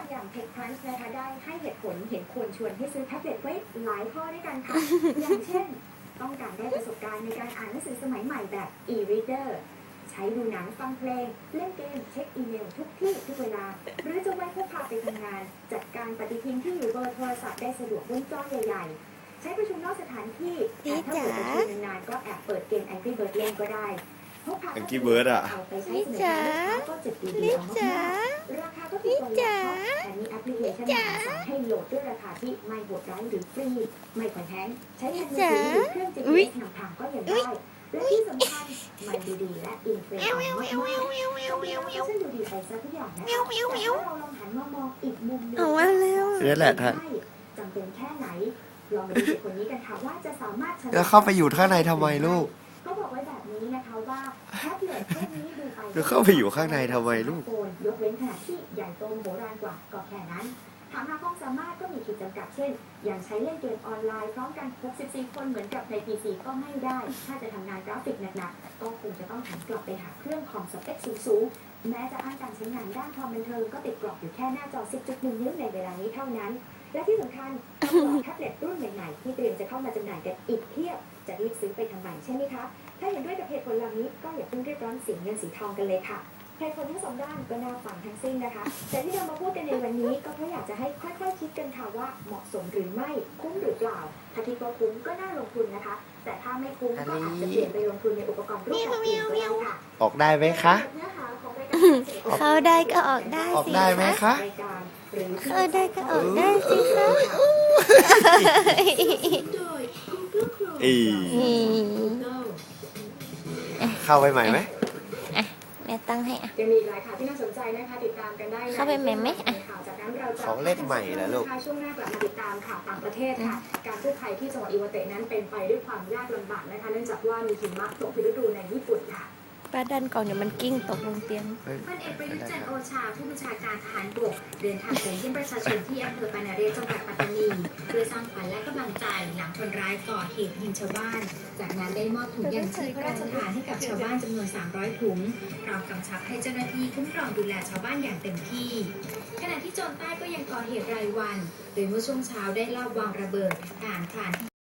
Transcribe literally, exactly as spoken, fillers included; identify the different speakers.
Speaker 1: อย่าง TechCrunch นะคะได้ให้เหตุผลเห็นควรชวนให้ซื้อแท็บเล็ตไว้หลายข้อด้วยกันค่ะ อย่างเช่นต้องการได้ประสบการณ์ในการอ่านหนังสือสมัยใหม่แบบ e-reader ใช้ดูหนังฟังเพลงเล่นเกมเช็คอีเมลทุกที่ทุกเวลาหรือจะไว้พกพาไปทำงานจัดการปฏิทินที่อยู่เบอร์โทรศัพท์ได้สะดวกบนจอใหญ่ๆใช้ประชุมนอกสถานที่แต่ถ้าเกิดประชุมนานๆก็แอบเปิดเกม Angry Bird เล่นก็ได้พกพา
Speaker 2: Angry Bird อ่ะ
Speaker 1: เอาไปใช้สนุกแล้วก็จุดดีๆเอามากๆราคาก็ถูกกว่าแต่มีแอปพลิเคชันมาสอนให้โหลดด้วยราคาที่ไม่โหดร้ายหรือฟรีไม่ผ่อนแพงใช้แทนมือถือหรือเครื่อง จี พี เอส นำทางก็ยังได้และที่สำคัญมันดูดีและอินเทรนด์มากๆซึ่งดูดีไปซะทุกอย่างนะคะแต่ถ้าเราลองหันมามองอีกมุมหนึง
Speaker 3: เอามาเร็ว
Speaker 2: นี่แหละท่าน
Speaker 1: จำเป็นแค่ไหนลองมาดูเด็กคนนี้กันค่ะว่าจะสามารถชนะ
Speaker 2: แล้วเข้าไปอยู่ข้างในทำไมลูก
Speaker 1: ก็บอกไว้แบบนี้นะคะว่าแท็บเล็ตพวกนี้ดูไป
Speaker 2: แล้วเข้าไปอยู่ข้างในทำไมลูก
Speaker 1: ยกเว้นขนาดที่ใหญ่โตมโหฬารกว่าก็แค่นั้นถามหาความสามารถก็มีขีดจำกัดเช่น อย่างใช้เล่นเกมออนไลน์พร้อมกันหกสิบสี่คนเหมือนกับใน พี ซี ก็ไม่ได้ ถ้าจะทำงานกราฟิกหนักๆก็คงจะต้องหันกลับไปหาเครื่องคอมสเปคสูงๆแม้จะอ้างการใช้งานด้านความบันเทิงก็ติดกรอบอยู่แค่หน้าจอ สิบจุดหนึ่ง นิ้วในเวลานี้เท่านั้น และที่สำคัญต้องรอแท็บเล็ตรุ่นใหม่ๆที่เตรียมจะเข้ามาจำหน่ายกันอีกเพียบจะรีบซื้อไปทำไมใช่ไหมคะถ้าเห็นด้วยกับเหตุผลเหล่านี้ก็อย่าเพิ่งรีบร้อนสีเงินสีทองกันเลยค่ะเหตุผลทั้งสองด้านก็น่าฟังทั้งสิ้นนะคะแต่ที่เรามาพูดกันในวันนี้ก็เพราะอยากจะให้ค่อยๆคิดกันค่ะว่าเหมาะสมหรือไม่คุ้มหรือเปล่าถ้าคิดว่าคุ้มก็น่าลงทุนนะคะแต่ถ้าไม่คุ้มก็อาจจะเปลี่ยนไปลงทุนในอุปกรณ์รูปแบบอื่นก็ได้ค่ะ
Speaker 2: ออกได้ไหมคะ
Speaker 1: เนื้อหาของรายการ
Speaker 3: เข้าได้ก็ออกได้
Speaker 2: ออก
Speaker 3: สิ
Speaker 2: ได้ไหมคะ
Speaker 1: รายการหรือ
Speaker 3: เข้าได้ก็ออกได้สิคะ
Speaker 2: อี
Speaker 3: นี่
Speaker 2: เข้าไปใหม่ไหม
Speaker 3: แม่ตั้งให้อ่ะ
Speaker 1: ยังมีอีกหลายข่าวที่น่าสนใจนะคะติดตามกันได้นะ
Speaker 3: เข้าไปไหมไหมอ่ะ
Speaker 1: ข่าวจากนั้นเราจะ
Speaker 2: ของเล่นใหม่เหรอลูก
Speaker 1: ช่วงหน้ากลับมาติดตามข่าวต่างประเทศค่ะ การกู้ภัยที่จังหวัดอิวาเตะนั้นเป็นไปด้วยความยากลำบากนะคะเนื่องจากว่ามีหิมะตกผิดฤดูในญี่ปุ่นค่ะ
Speaker 3: ป้าดันก่อนเดี๋ยวมันกิ้งตกลงเตียง
Speaker 1: พลเอกประยุทธ์จันทร์โอชาผู้บัญชาการทหารบกเดินทางไปเยี่ยมประชาชนที่อำเภอปานาเรศจังหวัดปัตตานีเพื่อสร้างขวัญและกำลังใจหลังคนร้ายก่อเหตุยิงชาวบ้าน จากนั้นได้มอบถุงยางชีพพระราชทานให้กับชาวบ้านจำนวน สามร้อย ถุงพร้อมกำชับให้เจ้าหน้าที่คุ้มครองดูแลชาวบ้านอย่างเต็มที่ขณะที่โจรใต้ก็ยังก่อเหตุรายวันโดยเมื่อช่วงเช้าได้ลอบวางระเบิดผ่านผ่าน